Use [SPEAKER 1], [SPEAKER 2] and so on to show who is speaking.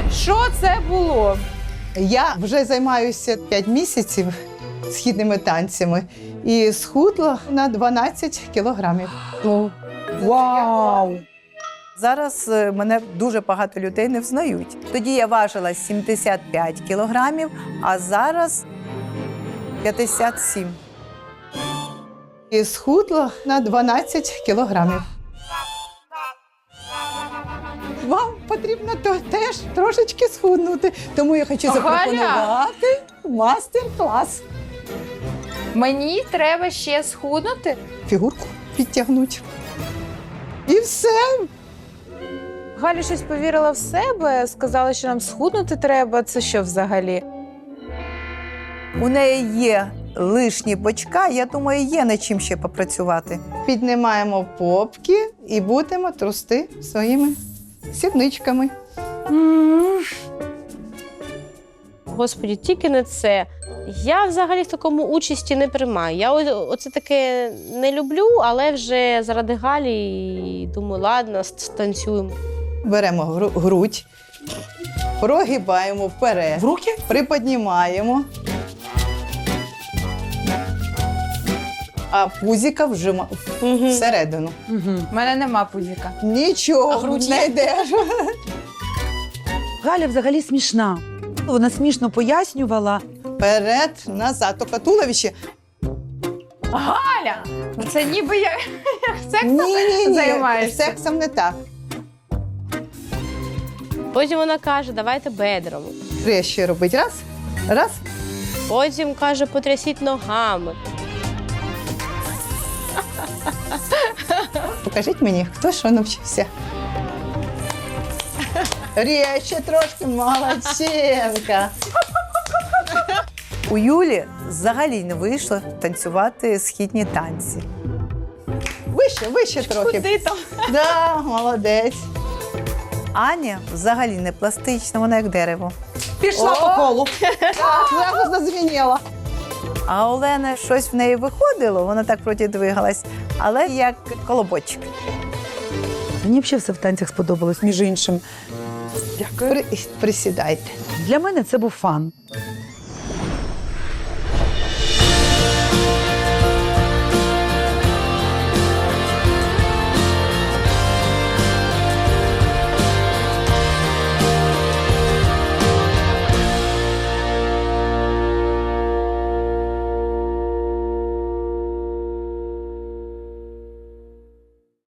[SPEAKER 1] Що це було?
[SPEAKER 2] Я вже займаюся 5 місяців східними танцями і схудла на 12 кілограмів.
[SPEAKER 3] Вау!
[SPEAKER 4] Зараз мене дуже багато людей не взнають. Тоді я важила 75 кілограмів, а зараз 57.
[SPEAKER 2] І схудла на 12 кілограмів. Вам потрібно теж трошечки схуднути, тому я хочу запропонувати мастер-клас.
[SPEAKER 1] Мені треба ще схуднути.
[SPEAKER 2] Фігурку підтягнути. І все.
[SPEAKER 1] Галя щось повірила в себе, сказала, що нам схуднути треба. Це що взагалі?
[SPEAKER 4] У неї є лишні бочка, я думаю, є над чим ще попрацювати.
[SPEAKER 2] Піднімаємо попки і будемо трусти своїми сідничками.
[SPEAKER 5] Господі, тільки не це. Я взагалі в такому участі не приймаю. Я оце таке не люблю, але вже заради Галі думаю, ладно, станцюємо.
[SPEAKER 2] Беремо грудь, прогибаємо вперед,
[SPEAKER 3] В руки?
[SPEAKER 2] приподнімаємо, а пузіка вжимаємо всередину.
[SPEAKER 1] У мене нема пузіка.
[SPEAKER 2] Нічого не йдеш.
[SPEAKER 3] Галя взагалі смішна. Вона смішно пояснювала.
[SPEAKER 2] Вперед, назад, тільки туловище.
[SPEAKER 1] Галя! Це ніби я сексом
[SPEAKER 2] Ні,
[SPEAKER 1] займаєшся.
[SPEAKER 2] сексом не так.
[SPEAKER 5] Потім вона каже, давайте бедром.
[SPEAKER 2] Хрещі робить. Раз, раз.
[SPEAKER 5] Потім каже, потрясіть ногами.
[SPEAKER 2] Покажіть мені, хто що навчився. Рєще трошки, молодчинка.
[SPEAKER 4] У Юлі взагалі не вийшло танцювати східні танці.
[SPEAKER 2] Вище трохи.
[SPEAKER 5] Куди там?
[SPEAKER 2] Да, молодець.
[SPEAKER 4] Аня взагалі не пластична, вона як дерево.
[SPEAKER 3] Пішла по колу.
[SPEAKER 2] Так, зразу зазвеніло.
[SPEAKER 4] А Олена щось в неї виходило, вона так вроді двигалась, але як колобочок.
[SPEAKER 3] Мені взагалі все в танцях сподобалось, між іншим. Дякую.
[SPEAKER 2] Присідайте.
[SPEAKER 3] Для мене це був фан.